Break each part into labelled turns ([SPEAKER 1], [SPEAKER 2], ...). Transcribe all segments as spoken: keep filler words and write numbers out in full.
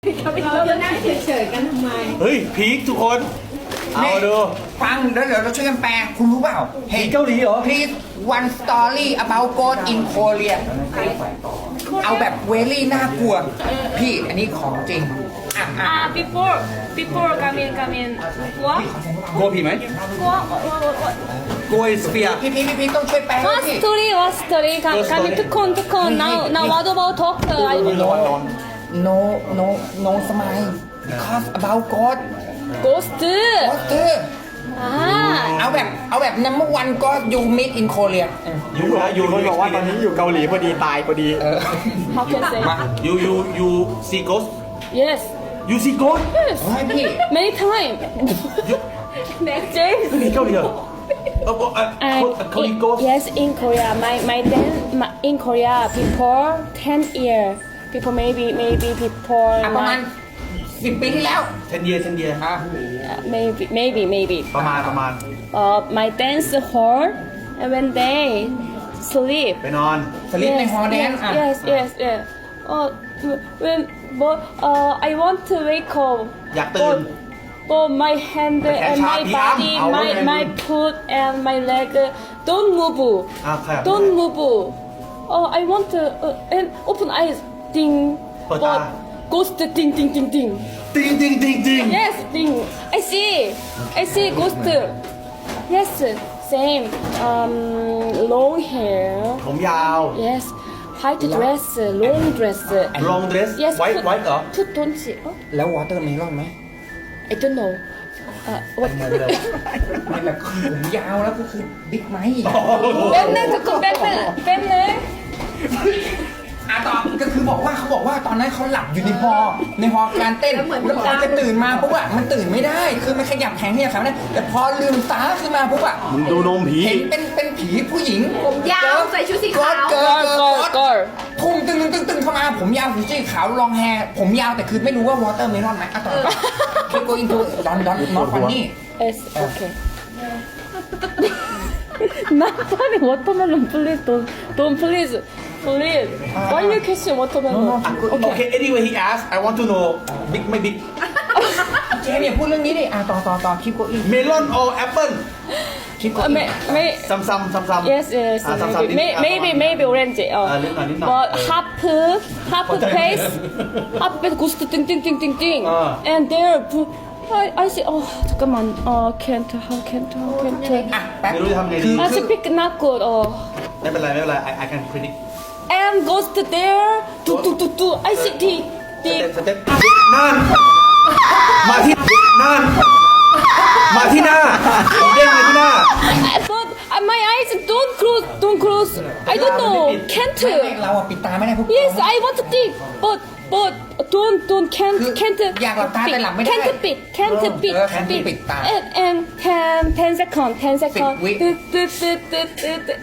[SPEAKER 1] เราจะนั่งเฉยๆกันทำไม
[SPEAKER 2] เฮ้ยพีคทุกคนเอาดู
[SPEAKER 3] ฟังแล้วเดี๋ยวเราช่วยกันแปลคุณรู้เปล่า
[SPEAKER 2] พีคเกาหลีเหรอ
[SPEAKER 3] Please one story about ghost in Korea เอาแบบเวลี่น่ากลัว พี่อันนี้ของจริงอ่ะอ่ะ
[SPEAKER 4] Ah, before, before come in, come in. What?
[SPEAKER 2] กลัวผีไหม
[SPEAKER 4] What? What? What? What?
[SPEAKER 2] กลัวสเปีย
[SPEAKER 3] พี่พี่พี่พี่ต้องช่วยแปลให้
[SPEAKER 4] What
[SPEAKER 3] พี่
[SPEAKER 4] story? What story? Come,
[SPEAKER 2] What
[SPEAKER 4] come in.
[SPEAKER 2] story?
[SPEAKER 4] Tukon, tukon. Now, now, what about talk? I
[SPEAKER 3] no no no no smile because about ghost
[SPEAKER 4] ghost.
[SPEAKER 3] ghost
[SPEAKER 4] Ah.
[SPEAKER 3] เอาแบบเอาแบบ number one ghost you meet in Korea
[SPEAKER 2] ยูนะยู
[SPEAKER 5] คนบอกว่าตอนนี้อยู่เกาหลีพอดีตายพอดี
[SPEAKER 4] How can I say?
[SPEAKER 3] มา
[SPEAKER 2] ยูยูยูซีโกส
[SPEAKER 4] Yes.
[SPEAKER 2] ยูซีโกส
[SPEAKER 4] Yes.
[SPEAKER 3] ให้พี่
[SPEAKER 4] Many time. Next James.
[SPEAKER 2] มีเกาหลีเหรอเออเออ
[SPEAKER 4] And
[SPEAKER 2] เกาหลี
[SPEAKER 4] in-
[SPEAKER 2] โกส
[SPEAKER 4] yes, in Korea, my my then my, in Korea, people ten year, people maybe maybe people
[SPEAKER 3] อ่ะประมาณ
[SPEAKER 4] nine-
[SPEAKER 3] สิบปีที่แล้ว
[SPEAKER 2] เทนเยียเทนเยีย
[SPEAKER 3] อ่ะ
[SPEAKER 4] uh, maybe maybe maybe
[SPEAKER 2] ประมาณประมาณ
[SPEAKER 4] uh, my dance hall and when they sleep
[SPEAKER 2] ไปนอน
[SPEAKER 3] สลิปในฮอลแดน
[SPEAKER 4] yes
[SPEAKER 3] อ่ะ
[SPEAKER 4] yes yes yes uh, when but uh, I want to wake up
[SPEAKER 2] อยากตื่น
[SPEAKER 4] but, but my hand
[SPEAKER 2] แต่แขน
[SPEAKER 4] and
[SPEAKER 2] ชา
[SPEAKER 4] my
[SPEAKER 2] พี่อ้ำ
[SPEAKER 4] body
[SPEAKER 2] เอาไว้
[SPEAKER 4] my
[SPEAKER 2] ไง
[SPEAKER 4] my foot and my leg uh, don't move
[SPEAKER 2] อ่ะครับ
[SPEAKER 4] don't move uh, I want to uh, and open eyes ding
[SPEAKER 2] เปิดตา
[SPEAKER 4] but ghost ding ding ding ding
[SPEAKER 2] ติงติงติงติง
[SPEAKER 4] Yes, thing. I see. I see ghost. Yes, same. Um, long hair.
[SPEAKER 2] ผมยาว
[SPEAKER 4] Yes, white dress, long dress.
[SPEAKER 2] long dress
[SPEAKER 4] Yes,
[SPEAKER 2] white
[SPEAKER 4] put-
[SPEAKER 2] white เหรอ
[SPEAKER 4] put don't see. Oh,
[SPEAKER 3] แล้ววอเตอร์เมลอนไหม
[SPEAKER 4] I don't know. Uh, what?
[SPEAKER 3] ไม่แบบผมยาวแล้วก็คือบิ๊กไมค์
[SPEAKER 4] 뺀네 듣고 뺀네 뺀네.
[SPEAKER 3] อ่ะต่อก็คือบอกว่าเขาบอกว่าตอนนั้นเขาหลับอยู่ในฮอในฮอการเต้นแล้วพอจะตื่นมาปุ๊บอะมันตื่นไม่ได้ คือมันขยับแขนขยับขาไม่ได้แต่พอลืมตาขึ้นมาปุ๊บอะ
[SPEAKER 2] มึงดูนมผี
[SPEAKER 3] เห็นเป็นเป็นผีผู้หญิง
[SPEAKER 1] ผมยาวใส่ชุดสีขาว
[SPEAKER 3] เกิร์
[SPEAKER 4] Girl,
[SPEAKER 3] ลเกิร์ล
[SPEAKER 4] girl, girl.
[SPEAKER 3] พุ่งตึงตึงตึงตึงเข้ามาผมยาวผมสีขาวลองแฮร์ผมยาวแต่คือไม่รู้ว่าวอเตอร์เมลอนไหมอ่ะต่อต่อ keep going to don don not funny
[SPEAKER 4] Yes, okay. Not funny. Watermelon, please don't, don't please, please. Why you kissing watermelon?
[SPEAKER 2] โอเค anyway he asked I want to know big ไม่ big
[SPEAKER 3] เจมส์อย่าพูดเรื่องนี้ดิอ่ะต่อต่อต่อ keep going
[SPEAKER 2] melon or apple
[SPEAKER 3] keep
[SPEAKER 4] Uh,
[SPEAKER 3] going
[SPEAKER 4] may, may,
[SPEAKER 2] ซ้ำซ้ำซ้ำซ้ำ
[SPEAKER 4] yes, yes,
[SPEAKER 2] อ่ะซ้ำซ้ำ
[SPEAKER 4] maybe, may, maybe, maybe orange.
[SPEAKER 2] อ่ะ
[SPEAKER 4] Uh,
[SPEAKER 2] นิดหน่อยนิดหน่อย
[SPEAKER 4] but half, half
[SPEAKER 2] เข้าใจ
[SPEAKER 4] face, half face goes to ding, ding, ding, ding, ding.
[SPEAKER 2] Ah.
[SPEAKER 4] And there, I, I see. Oh, 잠깐만. Uh, can't, how can't, how can't.
[SPEAKER 3] อ่ะแป๊บ
[SPEAKER 2] ไม่รู้จะทำไงดี
[SPEAKER 3] คือ
[SPEAKER 4] I speak not good. Oh.
[SPEAKER 2] ไม่เป็นไรไม่เป็นไร I I can predict
[SPEAKER 4] And goes to there. Do, do, do, do. I see the,
[SPEAKER 2] ส
[SPEAKER 4] the.
[SPEAKER 2] เต็ปสเต็ปนั่นมาที่นั่นมาที่หน้าผมเด้งมาที่หน้า
[SPEAKER 4] But uh, my eyes don't close, don't close. I don't know.
[SPEAKER 3] ไม่
[SPEAKER 4] Can't.
[SPEAKER 3] เราอะปิดตาไม่ได้พวก
[SPEAKER 4] Yes, I want to think, but but don't don't can't
[SPEAKER 3] คือ
[SPEAKER 4] can't
[SPEAKER 3] อยากหลับตาแต่หลับไม่ได้
[SPEAKER 4] can't beat can't beat
[SPEAKER 3] เออ can't beat ปิดตา
[SPEAKER 4] and and ten ten second ten second
[SPEAKER 3] วิ
[SPEAKER 4] ตึ๊ดตึ๊ดตึ๊ดตึ๊ดตึ๊ดตึ๊ด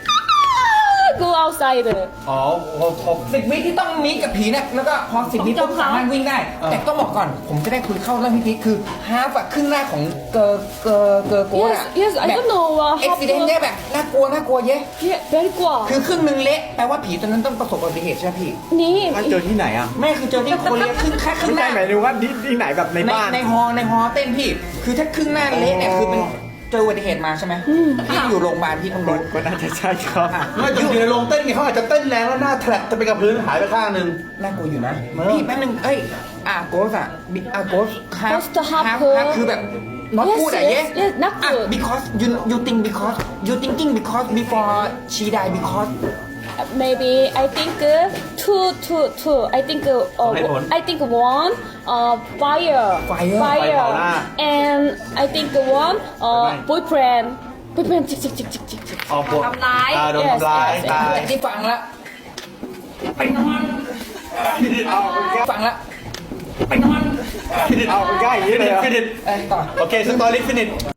[SPEAKER 4] go outside
[SPEAKER 2] อ๋อผมผม
[SPEAKER 3] สิบวิที่ต้องมีกับผีเนี่ยแล้วก็พอสิบวิปุ๊บสามารถวิ่งได้ แต่ต้องบอกก่อน ผมจะได้คุยเข้าเรื่องพี่พีคคือฮาร์ฟอะครึ่งแรกของเกอร์เกอร์เกอร์โกดอะ
[SPEAKER 4] Yes, yes, I don't know, uh,
[SPEAKER 3] เอ็กซิเดนต์เนี่ยแบบน่ากลัวน่ากลัวเย้
[SPEAKER 4] yeah very กว่า
[SPEAKER 3] คือครึ่งหนึ่งเละแปลว่าผีตัวนั้นต้องประสบอุบัติเหตุใช่ไหมพี่
[SPEAKER 4] นี่
[SPEAKER 5] ถ้าเจอที่ไหนอ่ะ
[SPEAKER 3] แม่คือเจอที่โคเรียครึ่งแค่ครึ่
[SPEAKER 5] ไม่
[SPEAKER 3] งห
[SPEAKER 5] ใช่
[SPEAKER 3] น้า
[SPEAKER 5] หมายถึงว่าที่ที่ไหนแบบใน
[SPEAKER 3] ใน
[SPEAKER 5] บ้าน
[SPEAKER 3] ในฮอในฮอเต้นพี่ คือถ้าครึ่งหน้าเละเนี่ยคือเป็นเจออุบัติเหตุมาใช่ไหมพี่อยู่โรงพยาบาลพี่ต้อง
[SPEAKER 5] ก็
[SPEAKER 3] รู้
[SPEAKER 5] ก็น่าจะใช่ครับ
[SPEAKER 2] เมื่ออยู่ในโรงเต้นไงเขาอาจจะเต้นแรงแล้วหน้าแทรกจะไปกับพื้นหายไปข้างหนึ่ง
[SPEAKER 3] น่ากลัวอยู่นะ
[SPEAKER 2] เออ
[SPEAKER 3] พี่แป๊บนึงเอ้ยอ่ะโกสอ่ะบิอ่ะโกสฮาร์ฟ
[SPEAKER 4] Ghost half
[SPEAKER 3] ฮาร์ฟฮาร์ฟคือแบบ not
[SPEAKER 4] Yes,
[SPEAKER 3] good อ่ะ
[SPEAKER 4] yes,
[SPEAKER 3] เย้
[SPEAKER 4] yes, not
[SPEAKER 3] อ่ะ
[SPEAKER 4] good.
[SPEAKER 3] because you you think because you thinking because before she die because
[SPEAKER 4] maybe I think uh, two two two I think uh,
[SPEAKER 2] ให้ผล
[SPEAKER 4] I think one uh fire
[SPEAKER 3] Fire
[SPEAKER 2] ไฟเผาหน้า
[SPEAKER 4] and I think one uh boyfriend boyfriend จิกจิกจิกจิกจิกจิก
[SPEAKER 2] ออกบท
[SPEAKER 1] ทำร้าย
[SPEAKER 2] อ่โดน
[SPEAKER 4] Yes,
[SPEAKER 2] ทำร้าย
[SPEAKER 4] yes, yes.
[SPEAKER 2] ตาย
[SPEAKER 3] แต่ที่ฟังแล้วไปนอนฟังแล้วไปนอน
[SPEAKER 5] เอาใกล้อย่างนี้เลยเหรอ
[SPEAKER 2] ฟินิช
[SPEAKER 3] เอ้ยต่อ
[SPEAKER 2] โอเคสตอรี่ฟินิช